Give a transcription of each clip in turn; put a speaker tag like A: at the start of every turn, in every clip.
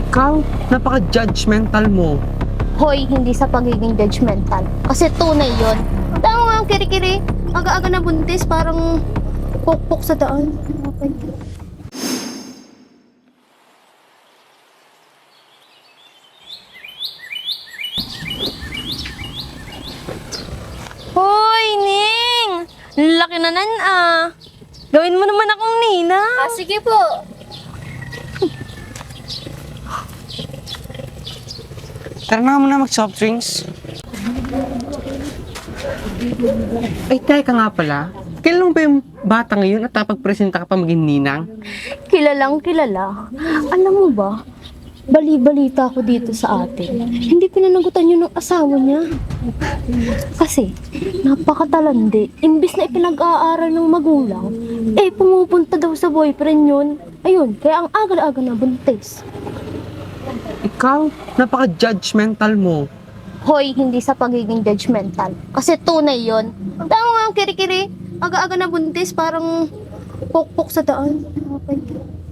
A: Ikaw, napaka-judgmental mo.
B: Hoy, hindi sa pagiging judgmental. Kasi tunay yon. Tama nga ang kiri-kiri. Aga-aga na buntis, parang pukpok sa daan. Okay.
C: Hoy, Ning! Laki na nan ah. Gawin mo naman akong nina.
B: Sige po.
A: Tara na muna mag-soft drinks. Ay, teka nga pala. Kailan mo ba yung bata ngayon at napag-presenta ka pa maging ninang?
B: Kilalang kilala. Alam mo ba, bali-balita ako dito sa atin. Hindi pinanagutan yun ng asawa niya. Kasi, napakatalandi. Imbis na ipinag-aaral ng magulang, pumupunta daw sa boyfriend yun. Ayun, kaya ang aga-aga na buntis.
A: Ikaw, napaka-judgmental mo.
B: Hoy, hindi sa pagiging judgmental. Kasi tunay yon. Tama nga ang kiri-kiri. Aga-aga na buntis, parang pukpok sa daan. Okay.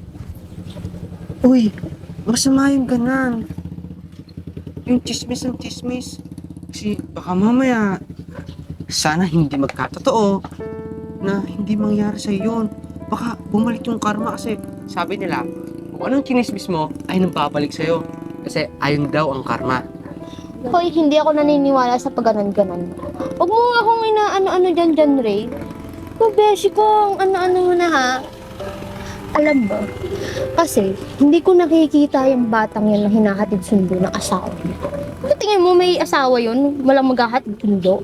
A: Uy, masama yung ganan. Yung chismis ng chismis. Kasi baka mamaya, sana hindi magkatotoo na hindi mangyari sa yun. Baka bumalik yung karma kasi sabi nila, kung anong chinismis mo ay nagpapalik sa'yo. Kasi ayun daw ang karma.
B: Hoy, hindi ako naniniwala sa pagganan-ganan. Huwag mo nga akong inaano-ano dyan, Ray. Beshi ko, ang ano-ano mo na ha. Alam ba? Kasi, hindi ko nakikita yung batang yun na hinahatid sundo ng asawa niya. Ano tingin mo may asawa yun? Walang maghahatid sundo?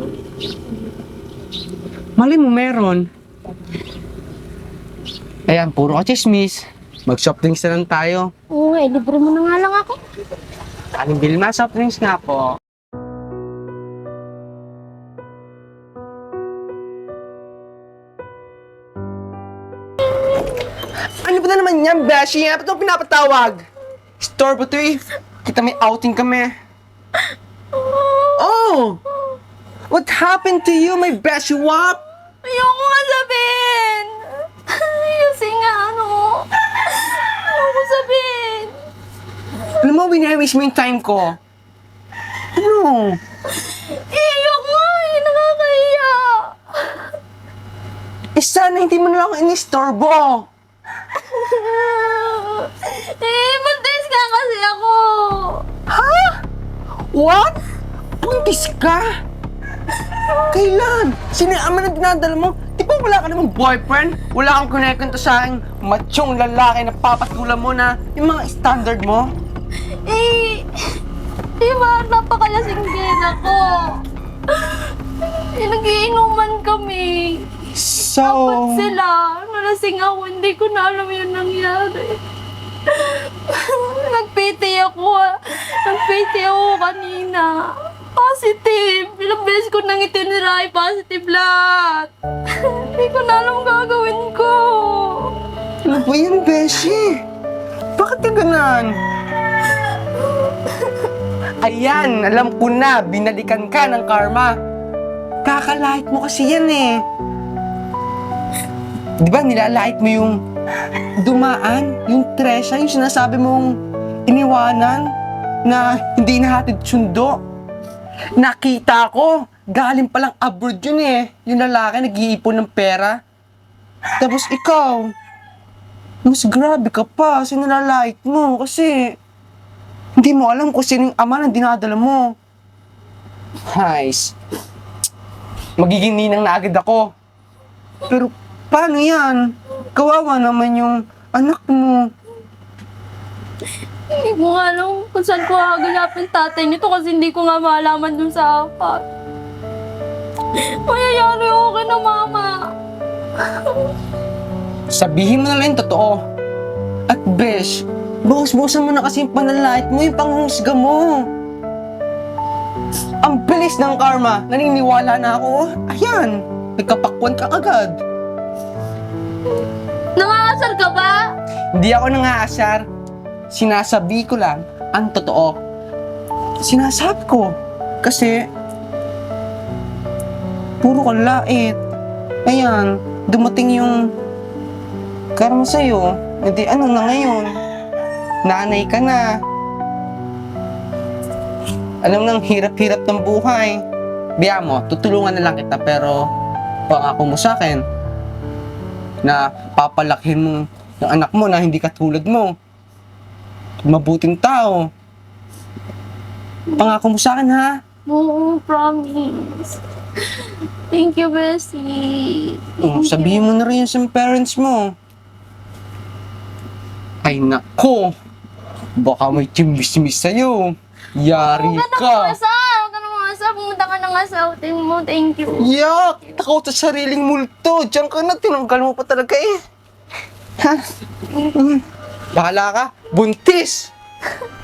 A: Mali mo meron. Ayan, puro ka chismis. Mag-soft drinks na lang tayo.
B: Oo nga, libre mo na nga lang ako.
A: Aling Vilma, soft drinks nga po. Ano ba na naman yan, Beshi? Ba't mo pinapatawag? Store ba ito eh? Kita may outing kami. Oh! What happened to you, my Beshi Wap?
C: Ayoko nga sabihin. Kasi nga ayoko sabihin.
A: Alam mo, winawish mo yung time ko. Ano?
C: Ayoko nga nakakahiya.
A: Sana hindi mo na lang ako inistorbo.
C: Buntis ka kasi ako.
A: Ha? What? Buntis ka? Kailan? Sino yung ama na dinadala mo? Di ba wala ka namang boyfriend? Wala kang kunekento sa aking machong lalaki na papatulan mo na yung mga standard mo?
C: Di ba napakalasing din ako? Nagiinuman kami.
A: So...
C: Dapat sila. Nalasing ako, hindi ko na alam yung nangyari. Nagpiti ako. Nagpiti ako kanina. Positive. Ilang beses ko nang itiniray. Positive lahat. Hindi ko na alam gagawin ko.
A: Ano ba yan, Beshi? Bakit ka ganan? Ayan, alam ko na. Binalikan ka ng karma. Kakalait mo kasi yan eh. Di ba nilalait mo yung dumaan, yung Tresha, yung sinasabi mong iniwanan na hindi nahatid sundo? Nakita ko, galing palang abroad yun eh. Yung lalaki nag-iipon ng pera. Tapos ikaw, mas grabe ka pa, sinalalait mo kasi hindi mo alam kung sino yung ama na dinadala mo. Guys, magiging ninang na agad ako. Pero paano yan? Kawawa naman yung anak mo.
C: Hindi ko nga alam kung saan ko haganapin tatay nito kasi hindi ko nga malaman dun sa apat. Mayayari ako kay na mama.
A: Sabihin mo na lang yung totoo. At Besh, buhos-buhosan mo na kasi yung panalait mo, yung panghusga mo. Ang bilis ng karma, naniniwala na ako. Ayan, nagkapakwan ka agad.
C: Nangangasal ka ba?
A: Hindi ako nangaasar. Sinasabi ko lang ang totoo. Sinasabi ko. Kasi, puro ka lait. Ayan, dumating yung karma sa'yo. Hindi, ano na ngayon? nanay ka na. Alam nang hirap-hirap ng buhay. Biya mo, tutulungan na lang kita pero pangako mo sa akin na papalakihin mo yung anak mo na hindi katulad mo. Mabuting tao. Pangako mo sa akin, ha?
C: Oo, promise. Thank you, Bessie.
A: Sabihin mo na rin yun sa parents mo. Ay, nako. Baka may chimbis-mis sa'yo. Yari
C: Huwag ka
A: ka.
C: na mangasal. Huwag ka na mangasal. Pumunta ka na nga sa outing mo. Thank you.
A: Yak! Takot sa sariling multo. Diyan ka na, tinanggal mo pa talaga eh. Ha? Bahala ka. Buntis!